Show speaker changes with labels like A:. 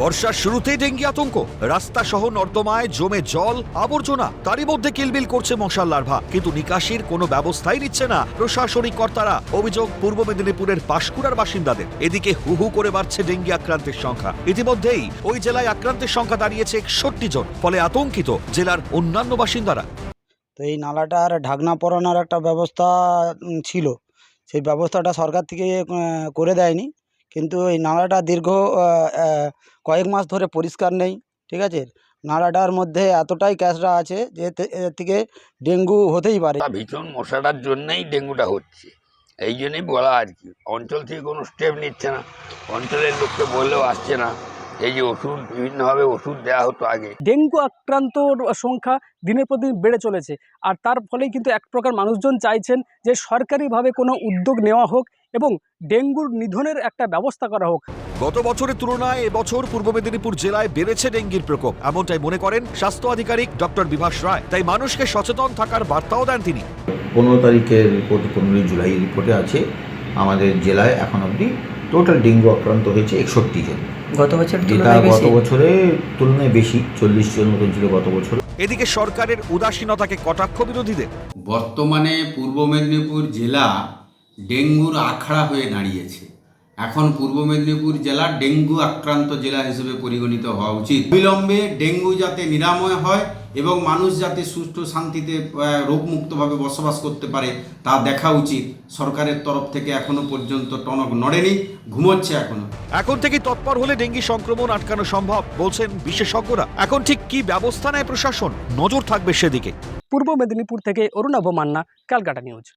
A: বর্ষার শুরুতেই ডেঙ্গি আতঙ্ক, রাস্তা সহ নর্দমায় জমে জল, আবর্জনা, তারই মধ্যে কিলবিল করছে মশার লার্ভা, কিন্তু নিকাশির কোনো ব্যবস্থাই নিচ্ছে না প্রশাসনিক কর্তারা। অভিযোগ পূর্ব মেদিনীপুরের পাঁশকুড়ার বাসিন্দাদের। এদিকে হু হু করে বাড়ছে ডেঙ্গি আক্রান্তের সংখ্যা। ইতিমধ্যেই ওই জেলায় আক্রান্তের সংখ্যা দাঁড়িয়েছে 61 জন, ফলে আতঙ্কিত জেলার অন্যান্য বাসিন্দারা।
B: তো এই নালাটার ঢাকনা পরানোর একটা ব্যবস্থা ছিল, সেই ব্যবস্থাটা সরকার থেকে করে দেয়নি। কিন্তু এই নালাটা দীর্ঘ কয়েক মাস ধরে পরিষ্কার নেই, ঠিক আছে। নালাটার মধ্যে এতটাই ক্যাচড়া আছে যে এর থেকে ডেঙ্গু হতেই পারে।
C: ভীষণ মশাটার জন্যই ডেঙ্গুটা হচ্ছে, এই জন্যই বলা আর কি। অঞ্চল থেকে কোনো স্টেপ নিচ্ছে না, অঞ্চলের লোককে বললেও আসছে না। এই যে ওষুধ, বিভিন্নভাবে ওষুধ দেওয়া হতো আগে।
D: ডেঙ্গু আক্রান্তর সংখ্যা দিনের পর দিন বেড়ে চলেছে, আর তার ফলেই কিন্তু এক প্রকার মানুষজন চাইছেন যে সরকারিভাবে কোনো উদ্যোগ নেওয়া হোক এবং ডেঙ্গুর নিধনের একটা ব্যবস্থা করা হোক।
A: গত বছরের তুলনায় এবছর পূর্ব মেদিনীপুর জেলায় বেড়েছে ডেঙ্গির প্রকোপ, এমনটাই মনে করেন স্বাস্থ্য আধিকারিক ডক্টর বিভাস রায়। তাই মানুষকে সচেতন থাকার বার্তাও দেন তিনি।
E: 15 তারিখের রিপোর্ট, 15 জুলাই রিপোর্টে আছে আমাদের জেলায় এখন অবধি টোটাল ডেঙ্গু আক্রান্ত হয়েছে 61 জন।
B: গত বছর
E: যেটা গত বছরের তুলনায় বেশি, 40 জন মতন ছিল গত বছর।
A: এদিকে সরকারের উদাসীনতাকে কটাক্ষ বিরোধীদের।
F: বর্তমানে পূর্ব মেদিনীপুর জেলা ডেঙ্গুর আখড়া হয়ে দাঁড়িয়েছে। এখন পূর্ব মেদিনীপুর জেলা ডেঙ্গু আক্রান্ত জেলা হিসেবে পরিগণিত হওয়া উচিত। বিলম্বে ডেঙ্গু যাতে নিরাময় হয় এবং মানুষ যাতে সুষ্ঠু শান্তিতে রোগমুক্তভাবে বসবাস করতে পারে তা দেখা উচিত। সরকারের তরফ থেকে এখনো পর্যন্ত টনক নড়েনি, ঘুমোচ্ছে এখনো।
A: এখন থেকে তৎপর হলে ডেঙ্গি সংক্রমণ আটকানো সম্ভব বলছেন বিশেষজ্ঞরা। এখন ঠিক কি ব্যবস্থা নেয় প্রশাসন, নজর থাকবে সেদিকে।
D: পূর্ব মেদিনীপুর থেকে অরুণাভ মান্না, ক্যালকাটা নিউজ।